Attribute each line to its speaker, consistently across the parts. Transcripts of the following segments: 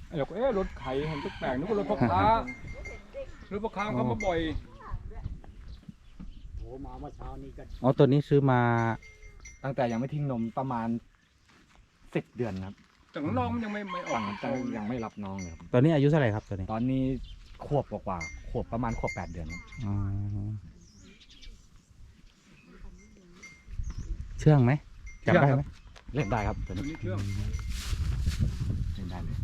Speaker 1: เราก็รถไถเห็นแปลกๆนึกว่ารถพ่อค้ารถพ่อค้าเขามาบ่อย
Speaker 2: โอ้มาเมื่อเช้านี้ก็
Speaker 3: อ๋อตัวนี้ซื้อมา
Speaker 4: ตั้งแต่ยังไม่ทิ้งนมประมาณ10 เดือนครับ
Speaker 1: แต่น้องมันยังไม่ออก
Speaker 4: ตั้งยังไม่รับน้องเลยครับ
Speaker 3: ตัวนี้อายุเท่าไหร่ครับตัวนี้
Speaker 4: ตอนนี้ขวบกว่าขวบประมาณขวบ8 เดือนครับ
Speaker 3: อ๋อเชื่องไหมจับได้ไหม
Speaker 4: เล่นได้ครับตัว
Speaker 1: ตัว
Speaker 4: นี้
Speaker 1: นี้เครื่อง
Speaker 4: เล่นได้เลย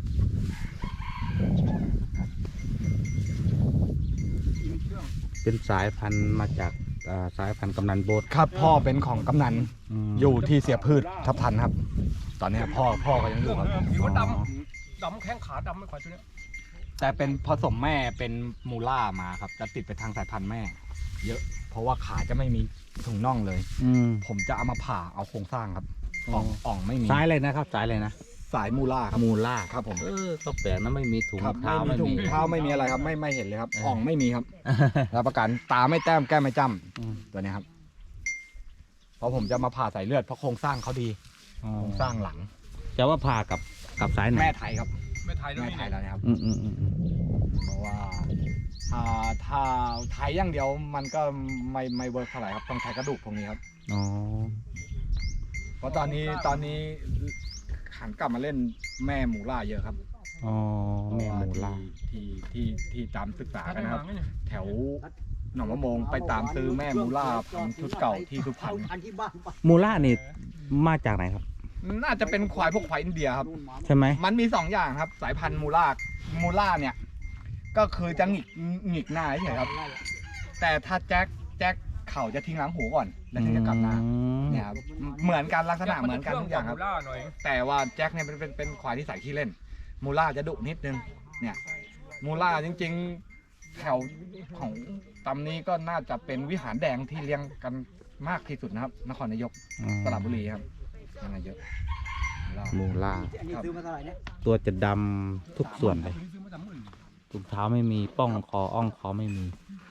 Speaker 1: มีเครื่อง
Speaker 3: เป็นสายพันธุ์มาจากสายพันธุ์กำนันโบส
Speaker 4: ครับพ่อเป็นของกำนันอยู่ที่เสียพืชทับทันครับ ตอนนี้พ่อก็ยังอยู่ครับ
Speaker 1: ผิวดำแข้งขาดำไม่ขวาตัวนี้
Speaker 4: แต่เป็นผสมแม่เป็นมูล่ามาครับจะติดไปทางสายพันธุ์แม่ เยอะ เพราะว่าขาจะไม่มีถุงน่องเลย ผมจะเอามาผ่าเอาโครงสร้างครับอ่องไม่มี
Speaker 3: สายอะไรนะครับสายอะไรนะ
Speaker 4: สายมูล่าครับ
Speaker 3: มูล่า
Speaker 4: ครับผม
Speaker 3: ก็แปลกนะไม่มีถุง
Speaker 4: ครับ
Speaker 3: เท้า
Speaker 4: ไม่มี
Speaker 3: ไม่
Speaker 4: ถุง
Speaker 3: มี
Speaker 4: เท้าไม่มีอะไรครับไม่เห็นเลยครับอ่องไม่มีครับรับประกันตาไม่แต้มแก้มไม่จ้ำตัวนี้ครับเพราะผมจะมาผ่าสายเลือดเพราะโครงสร้างเขาดีโครงสร้างหลัง
Speaker 3: จะว่าผ่ากับสายไหน
Speaker 4: แม่ไทยครับ
Speaker 1: ไม่ไทยแล้ว
Speaker 4: แม่
Speaker 1: นี่
Speaker 4: ไทยแล้วนะครับ
Speaker 3: อืม
Speaker 4: เพราะว่าถ้าไทยอย่างเดียวมันก็ไม่เวิร์กเท่าไหร่ครับต้องใช้กระดูกพวกนี้ครับ
Speaker 3: อ๋อ
Speaker 4: เพราะตอนนี้หันกลับมาเล่นแม่มูล่าเยอะครับ
Speaker 3: อ๋อแม่มูล่า
Speaker 4: ที่ตามศึกษา
Speaker 1: ถ้า
Speaker 4: กัน
Speaker 1: ได้
Speaker 4: นะค
Speaker 1: มา
Speaker 4: รับ
Speaker 1: ไงเนี่ย
Speaker 4: แถวหนองมะโมงไปตามซื้อแม่มูล่าพันธุ์ชุดเก่าที่สุพรรณ
Speaker 2: พันที่บ้านไป
Speaker 3: มูล่านี่มาจากไหนครับ
Speaker 4: น่าจะเป็นควายพวกควายอินเดียครับ
Speaker 2: นู่นมา
Speaker 3: ใช่ไหม
Speaker 4: มันมี2อย่างครับ สายพันธุ์มูล่าเนี่ย ก็คือจะหงิกหน้าเฉยๆครับ แต่ถ้าแจ็คเขาจะทิ้งหลังหูก่อนแล้วถึงจะกลับหน้าเนี่ยครับเหมือนกันลักษณะเหมือนกันทุกอย่างครับ
Speaker 1: ล่าหน่อย
Speaker 4: แต่ว่าแจ็คเนี่ยเป็นควายที่ใส่ขี้เล่น มูล่าจะดุนิดนึงเนี่ยมูล่าจริงๆ แถวของตำนี้ก็น่าจะเป็นวิหารแดงที่เลี้ยงกันมากที่สุดนะครับ นครนายกสระบุรีครับยังไงเยอะมูล่า
Speaker 3: มูล่า
Speaker 2: อันนี้ซื้อมาเท่าไหร่เนี่ย
Speaker 3: ตัวจะดำทุกส่วนเลย
Speaker 1: ซื้อมา30,000
Speaker 3: ถุงเท้าไม่มีป้องคออ่องคอไม่มี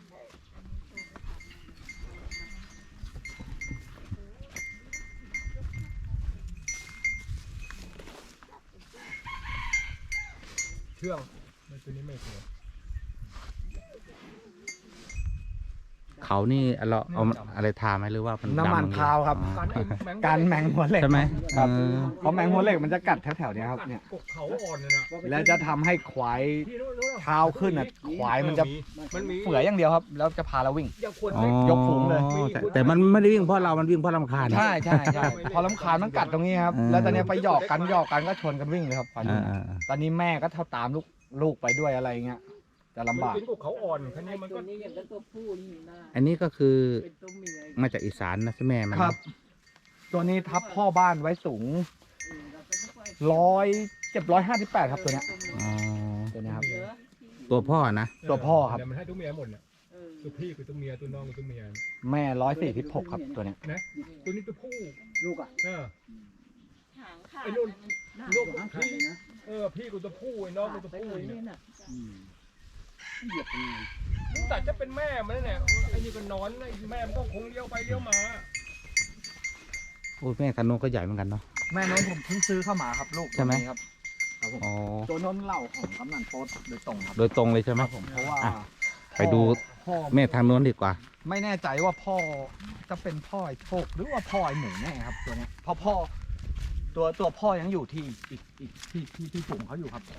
Speaker 1: เครื่องตัวนี้ไม่เคย
Speaker 3: เขานี่เราเอาอะไรทาไหมหรือว่ามัน
Speaker 4: น้ำมัน
Speaker 3: ดำ
Speaker 4: พราวครับ
Speaker 3: อ๋อ
Speaker 4: การแมงหัวเหล็ก
Speaker 3: ใช่ไหม
Speaker 4: ครับ
Speaker 3: เออ
Speaker 4: เพราะแมงหัวเหล็กมันจะกัดแถวๆเนี้ยครับเนี่ย
Speaker 1: กกเขาอ่อนเลยนะ
Speaker 4: แล้วจะทำให้ควาย
Speaker 1: พี่รู้
Speaker 4: เท้าขึ้นอ่ะควายมันจะ
Speaker 1: มันมี
Speaker 4: เฝื่อยอย่างเดียวครับ แล้วจะพาเราวิ่ง
Speaker 1: อย่าควร
Speaker 3: อ๋อย
Speaker 4: กฝูงเลย
Speaker 3: แต่มันไม่ได้วิ่งเพราะเรามันวิ่งเพราะรำคาญ
Speaker 4: ใช่พอลำคาญมันกัดตรงนี้ครับ แล้วตอนนี้ไปหยอกกันก็ชนกันวิ่งเลยครับควาย
Speaker 3: อ่า
Speaker 4: รุ่นตอนนี้แม่ก็เท่าตามลูกไปด้วยอะไรเงี้ยจะลำบาก
Speaker 1: เป็นกกเขาอ่อนแค่นี้มัน
Speaker 5: ตั
Speaker 1: ก็
Speaker 5: วนี้อย่างกับตัวผู้นี่นะ
Speaker 3: อันนี้ก็คือ
Speaker 5: เป็นตัวเมีย
Speaker 3: มาจากอีสานนะใช่ไหมมัน
Speaker 4: ครับ ตัวนี้ทับพ่อบ้านไว้สูง
Speaker 5: เราก็ไม่ค่อย
Speaker 4: 158ครับตัวเนี้ย
Speaker 3: อ๋อ
Speaker 4: ตัวเนี้ยครับ
Speaker 5: เยอะ
Speaker 3: ตัวพ่อนะ
Speaker 4: ตัวพ่อครับ
Speaker 1: แต่มันให้ตัวเมียหมดเนี่ย
Speaker 5: เออ
Speaker 1: ตัวพี่คือตัวเมียตัวน้องคือตัวเมีย
Speaker 4: แม่146ครับตัวเนี้ย
Speaker 1: นะตัวนี้ตัวผู้
Speaker 2: ลูกอ่ะ
Speaker 5: หางขาด
Speaker 1: ไอ้นุ่น
Speaker 5: ลูก
Speaker 2: ลูกทั้งคันเลยนะ
Speaker 1: พี่กูตัวผู้ไอ้น้องกูตัว
Speaker 5: ไป
Speaker 1: ผู้
Speaker 5: เลย
Speaker 1: เนี่
Speaker 5: เนี่ย ยน่ะ
Speaker 2: เหยียบยังไง
Speaker 1: แต่จะเป็นแม่มันเนี่ยไอ้นี่ก็นอนไอ้แม่มันก็คงเลี้ยวไปเลี้ยวมา
Speaker 3: โอ้ยแม่คันโนก็ใหญ่เหมือนกันเนาะ
Speaker 4: แม่น้องผมเพิ่งซื้อเข้ามาครับลูก
Speaker 3: ใช่ไหม
Speaker 4: ตัวนี้ครับครับผม
Speaker 3: อ๋อ
Speaker 4: ตัวนนเหล่าของกำนันโป๊ดโดยตรงครับ
Speaker 3: โดยตรงเลยใช่ไหม
Speaker 4: ผมเพราะว่า
Speaker 3: อ่ะ ไปดู
Speaker 4: พ่อ
Speaker 3: แม่ทางโน้นดีกว่า
Speaker 4: ไม่แน่ใจว่าพ่อจะเป็นพ่อไอ้โชคหรือว่าพ่อไอ้หมูแน่ครับตัวเนี้ยเพราะพ่อตัวพ่อยังอยู่ที่อีกที่ฝูงเขาอยู่ครับ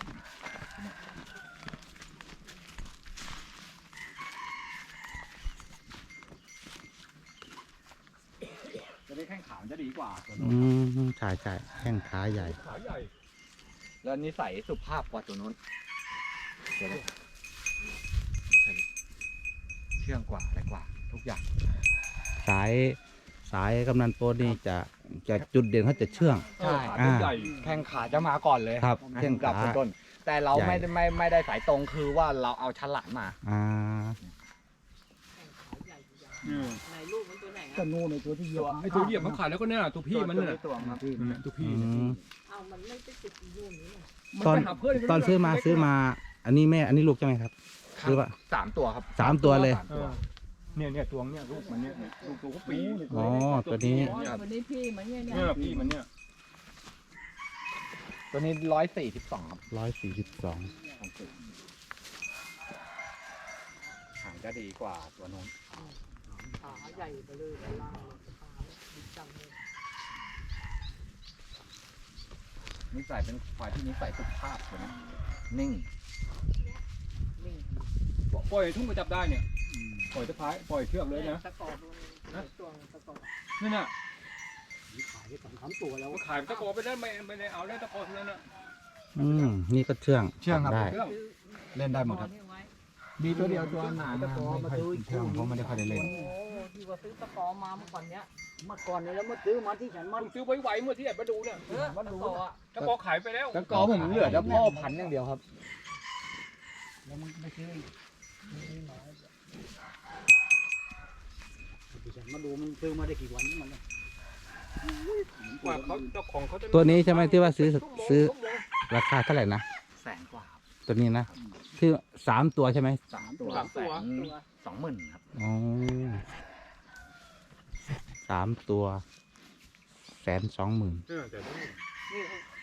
Speaker 4: จะได้แข้งขามันจะดีกว่าตัวนู้น
Speaker 3: ใช่ใช่แข้งขาใหญ่
Speaker 1: ขาใหญ่
Speaker 4: แล้วนิสัยสุภาพกว่าตัวนู้นตัวนี้เชื่องกว่าอะไรกว่า ทุกอย่าง
Speaker 3: สายกำนันโปรนี่จะจุดเด่นเขาจะเชื่อง
Speaker 4: ใช่
Speaker 1: ขาตัวใหญ่
Speaker 4: แข้งขาจะมาก่อนเลย
Speaker 3: ครับ
Speaker 4: แข้
Speaker 3: แข้
Speaker 4: ง
Speaker 3: ง
Speaker 4: กลั
Speaker 3: ขา
Speaker 4: บต้นๆแต่เรา
Speaker 3: ใหญ่
Speaker 4: ไม่ได้สายตรงคือว่าเราเอาฉลาดมา
Speaker 3: อ่า
Speaker 5: ไหนลูกมันตัวไหน
Speaker 2: ก็
Speaker 5: อ่ะ
Speaker 2: นู่นในตัวที่เหยียบ
Speaker 1: ไอ้ตัวเหยียบมันขาดแล้วก็เนี่ยตัวพี่มันเนี่ย
Speaker 4: ตัวครับ
Speaker 1: ตัวพี่
Speaker 5: เอามันไม่ไปติดอยู่นี่น่ะ
Speaker 3: ตอนตอนซื้อมา อันนี้แม่อันนี้ลูกใช่ไหมครับ หรือว่า
Speaker 4: 3 ตัวครับ
Speaker 3: 3 ตัวเลย
Speaker 1: เนี่ยตัวเนี่ยลูกมันเนี่ยลูกตัวก็ปี
Speaker 3: อ๋อตัวนี้
Speaker 5: อ๋อวันนี้พี่มันเนี่ย
Speaker 1: เนี่ยพี่มันเนี่ย
Speaker 4: ตัวนี้142ครับ
Speaker 3: 142
Speaker 4: หางจะดีกว่าตัวนู้น
Speaker 5: ขาใหญ่ไปเลยด้านล่างขาดีจังเลย
Speaker 4: นิสัยเป็นควายที่นิสัยสุภาพตัวนี้นิ่ง
Speaker 5: นิ่ง
Speaker 1: ปล่อยทุ่งมาจับได้เนี่ยปล่อยตะพายปล่อยเชือกเลยนะ
Speaker 5: ตะกอบลงตัวตะกอบ
Speaker 1: นั่นน่ะ
Speaker 2: ขายได้2-3ตัวแล้ว
Speaker 1: ก็ขายตะกอไปได้ไม่ได้เอาได้ตะกอเท่านั้นน่ะ
Speaker 3: นี่ก็เชื่อง
Speaker 4: เชื่องครับ
Speaker 3: ได้
Speaker 1: เรื่อง
Speaker 4: เล่นได้หมดครับ มีตัวเดียวตัวหนาไม่ค่อยเชื่องเพราะไม่ได้ค่อยได้เล่น
Speaker 5: โอ้ที่ว่าซื้อตะกอมาเมื่อก่อนเนี้ย
Speaker 2: เมื่อก่อนเนี่ยแล้วมาซื้อมาที่ฉันมัน
Speaker 1: ผมซื้อไวๆเมื่อที่แอบมาดูเนี่ย
Speaker 5: ตะกออ่ะ
Speaker 1: ตะกอขายไปแล้ว
Speaker 4: ตะกอผมเหลือแต่พ่อพันธุ์อย่างเดียวครับ
Speaker 2: แล้วมันไม่ซื้อที่ฉันมาดูมันซื้อมาได้กี่วันนี่มันเลย
Speaker 1: กว่าเขาเจ้าของเขาจะ
Speaker 3: ตัวนี้ใช่ไหมที่ว่าซื้อราคาเท่าไหร่นะ
Speaker 4: 100,000 กว่าครับ
Speaker 3: ตัวนี้นะที่3 ตัวใช่ไหม
Speaker 4: 3 ตัว120,000ครับ
Speaker 3: อ๋อ3 ตัว120,000
Speaker 1: แต่ต้อง
Speaker 5: นี่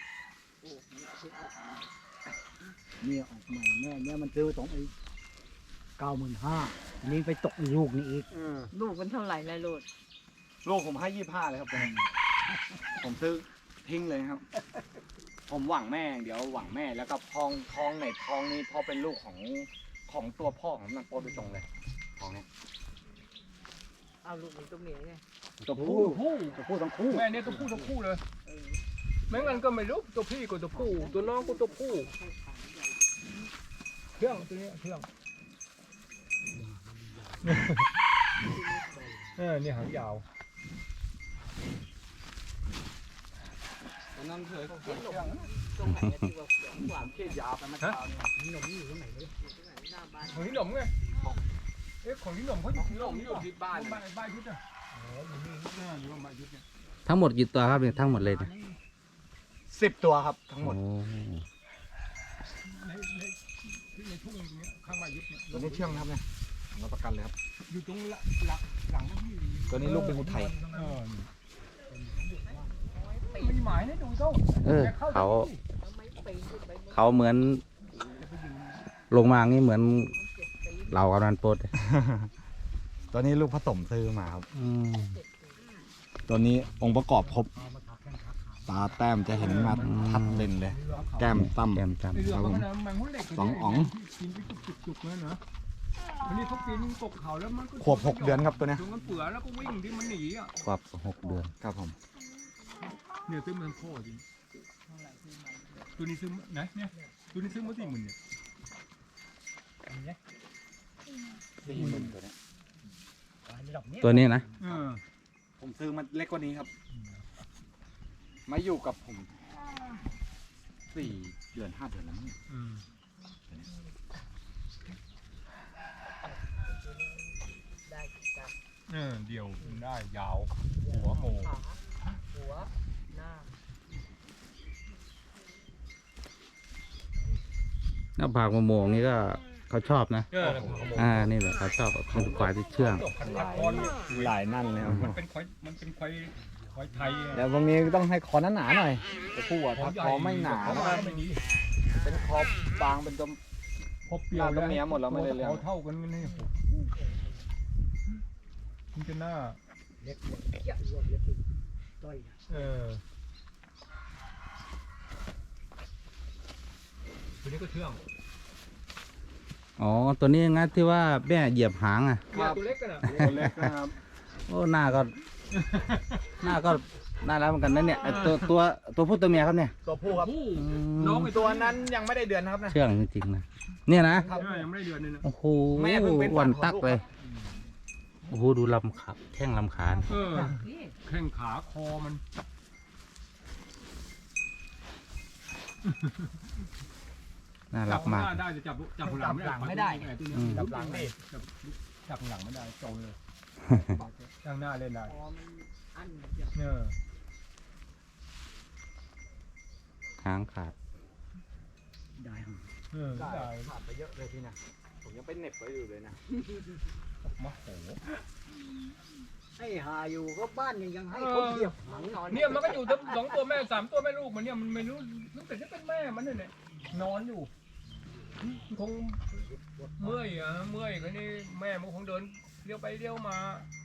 Speaker 2: เนี่ยออกใหม่แม่เนี่ยมันซื้อ95,000นี่ไปตกลูกนี่อีก
Speaker 5: ลูกมันเท่าไหร่นายโลด
Speaker 4: ลูกผมให้25เลยครับตัวนี้ผมซื้อทิ้งเลยครับ ผมหวังแม่อย่างเดี๋ยวหวังแม่แล้วก็ทองในทองนี้พอเป็นลูกของตัวพ่อของนางโปรโดยตรงเลยทองเนี้ย
Speaker 5: เอาลูกมันตัวเมียไง
Speaker 1: ตัวผู้
Speaker 2: จะพูดทั้งคู่
Speaker 1: แม่เนี่ยตัวผู้ทั้งคู่เลยแม้งั้นก็ไม่รู้ตัวพี่กับตัวผู้ตัวน้องก็ตัวผู้เชื่องตัวนี้เชื่องนี่หางยาว
Speaker 4: ตอนนั้นเคย
Speaker 5: ตรงไหนอะที่ว่าเสียงกว่า
Speaker 4: เขี้ยยาวไปมาเช้าเนี่ย
Speaker 2: หนุ่มอยู่ตรงไหนเลย
Speaker 5: หน้าบ้าน
Speaker 1: ของที่หนมไงเอ๊ะของที่หนมเขาอยู่ที่หนม
Speaker 4: อยู่ที่บ้าน
Speaker 1: บ้านยุทธอ่ะอ๋ออยู่นี่อยู่บ้านยุทธเนี่ย
Speaker 3: ทั้งหมดกี่ตัวครับเนี่ยทั้งหมดเลยเนี่ย
Speaker 4: 10 ตัวครับทั้งหมด
Speaker 3: โอ้
Speaker 1: ในทุ่งตรงนี้ข้างบ้านยุทธเนี่ย
Speaker 4: ตัวนี้เชื่องครับเนี่ยรับประกันเลยครับ
Speaker 1: อยู่ตรงหลังที่
Speaker 4: ตัวนี้ลูกเป็นอุทัย
Speaker 1: ไม่หมายนะดูเจ้า
Speaker 3: เขา
Speaker 5: ทำไมปีนขึ้นไปบน
Speaker 3: เขาเหมือนลงมางี้เหมือนเรากำนันโปดเลย
Speaker 4: ตัวนี้ลูกผสมซื้อมาครับ
Speaker 3: อืม
Speaker 4: ตัวนี้องค์ประกอบครบ ตาแต้มจะเห็นมาทัดเด่นเลย แก้มตั้ม
Speaker 3: แก้มจ
Speaker 1: ไอเรือเขาเนี่ยมันหุ้นเหล็ก
Speaker 4: สองอ๋อง
Speaker 1: กินไปจุกๆเลยนะอันนี้เขากินกบเขาแล้วมันก็
Speaker 4: ขวบ6 เดือนครับตัวเนี้ย
Speaker 1: จนมันเปื่อยแล้วก็วิ่งที่มันหนีอ่ะ
Speaker 3: ำครบ6 เดือน
Speaker 4: ครับผม
Speaker 1: เนี่ยซื้อมันพ่อจริงตัวนี้ซื้อไหนเนี่ยตัวนี้ซื้อมา40,000เนี่ย
Speaker 4: 40,000ตัวเนี้ย
Speaker 3: ตัวนี้นะ
Speaker 4: ผมซื้อมันเล็กกว่านี้ครับ มาอยู่กับผม4 เดือน 5 เดือนแล้วมั้งเนี่ย
Speaker 5: ได้จับ
Speaker 1: เดียวได้ยาวหัวโม
Speaker 5: ขาหัวหน้า
Speaker 3: หน้าผากมะม่วงนี่ก็เขาชอบนะ นี่แหละเขาชอบเป็นควายที่เชื่อง
Speaker 4: หลายนั่นเลยครับ
Speaker 1: มันเป็นควายไทย
Speaker 4: แล้วพวกนี้ต้องให้คอหนาๆหน่อยตัวผู้อะถ้าคอไม่หนา
Speaker 1: เขาไม่ดี
Speaker 4: เป็นคอบางเป็นตัว
Speaker 1: พอเปลี่ยว
Speaker 4: หน้าก็เมียหมดแล้วไม่ได้เรื่อง
Speaker 1: เท่ากันนี่มันจะหน้า
Speaker 2: เล็กเยอะรวมเยอะติดต้อย
Speaker 1: ตัวนี้ก็เชื่อง
Speaker 3: อ๋อ ตัวนี้งั้นที่ว่าแม่เหยียบหางอ่ะ
Speaker 1: ตัวเล็กกันอ่ะ
Speaker 4: ตัวเล็กนะครับ
Speaker 3: โอ้หน้าก็น่ารักเหมือนกันนะเนี่ยไอ้ตัวผู้ตัวเมียครับเนี่ย
Speaker 4: ตัวผู้ครับ
Speaker 1: น้องไอ้
Speaker 4: ตัวนั้นยังไม่ได้เดือนนะครับนะ
Speaker 3: เชื่องจริงๆนะเนี่ยนะ
Speaker 1: ยังไม่ได้เดือนนึงนะ
Speaker 3: โอ้โห
Speaker 4: แม่เพิ่งเป็น
Speaker 3: วัน
Speaker 4: ฝั
Speaker 3: ตั
Speaker 4: น
Speaker 3: ก
Speaker 4: ของลูก
Speaker 3: เลยโอ้โหดูลำขาแข้งลำขา
Speaker 5: นี่
Speaker 1: แข้งขาคอมัน
Speaker 3: น่ารักมาก
Speaker 1: ได้จะจับหลังไม่ได้ตัวนี้จับหลังดิจับหลังไม่ได้โจเลยข้างหน้าเล่นได้
Speaker 5: คอมันอั้นอย่าง
Speaker 3: หางขาด
Speaker 2: ได้
Speaker 1: ได้
Speaker 4: ขาดไปเยอะเลยที่นะผมยังไปเหน็บไว้อยู่เลยนะ
Speaker 1: มาโห
Speaker 2: ให้หาอยู่ก็บ้านยังให้เขาเหยียบหางนอน
Speaker 1: เนี่ยมันก็อยู่ทั้งสองตัวแม่สามตัวแม่ลูกมันเนี่ยมันไม่รู้รู้แต่จะเป็นแม่มันเนี่ยนอนอยู่คงเมื่อยอ่ะเมื่อยคนนี้แม่มันคงเดินเลี้ยวไปเลี้ยวมา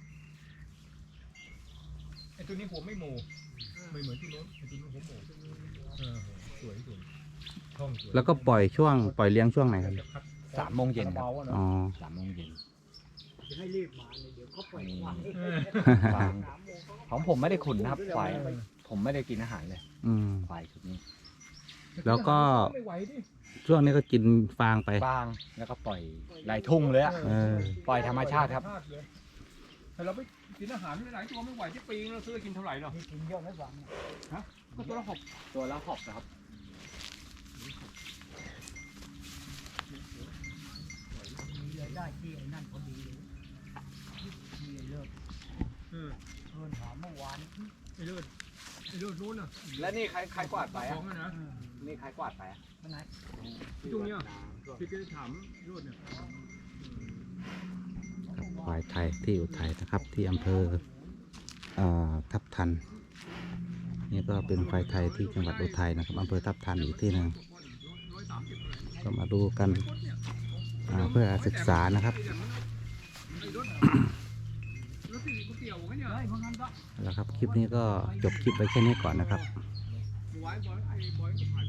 Speaker 1: ไอ้ตัวนี้หัวไม่โมไม่เหมือนตัวนู้นไอ้ตัวนู้นหัวโมสวยช่องสวย
Speaker 3: แล้วก็ปล่อยเลี้ยงช่วงไหนครับ
Speaker 4: 3 โมงเย็นครับ
Speaker 3: อ๋อ
Speaker 4: 3 โมงเย็น
Speaker 2: จะให้รีบมาเลยเดี๋ยวเขาปล่อยควาย
Speaker 4: ฟางของผมไม่ได้ขุนนะครับควายผมไม่ได้กินอาหารเลย
Speaker 3: อืม
Speaker 4: ควายชุดนี้
Speaker 3: แล้วก็
Speaker 1: ไม่ไหวดิ
Speaker 3: ช่วงนี้ก็กินฟางไป
Speaker 4: ฟางแล้วก็ปล่อยไหลทุ่งเลยอะ
Speaker 3: เออ
Speaker 4: ปล่อยธรรมชาติครับ
Speaker 1: แต่เราไปกินอาหารหลายตัวไม่ไหวที่ปีเราซื้อกินเท่าไหร่หรอ
Speaker 2: มีกินเยอะไหมฟังเนี่ย
Speaker 1: ก็ตัวละหก
Speaker 4: ตัวละหอบนะครับ
Speaker 2: มีรายได้ที่ไอ้นั่นพอดีเลยมีเลิกเงินหาเมื่อวาน
Speaker 1: ไอ้เลือดนู้นน่ะ
Speaker 4: แล้วนี่ใครกวาดไป
Speaker 1: ข
Speaker 4: อ่ะ
Speaker 1: องนะ
Speaker 4: นี่ใครกวาดไปอะ
Speaker 2: วันไหน
Speaker 1: ตรงเนี้ยที่จะถามเลือดเนี่ย
Speaker 3: ควายไทยที่อุทัยนะครับ ที่อำเภอทับทัน นี่ก็เป็นควายไทยที่จังหวัดอุทัยนะครับอำเภอทับทันอีกที่หนึ่งก็มาดูกันเพื่อศึกษานะครับ
Speaker 1: รถที่ก๋วยเตี๋ยวไงเนี่ย
Speaker 2: เพราะงั้นก็
Speaker 3: แล้วครับคลิปนี้ก็จบคลิปไปแค่นี้ก่อนนะครับ
Speaker 1: ไว้บอยไอ้บอยก็ผ่าน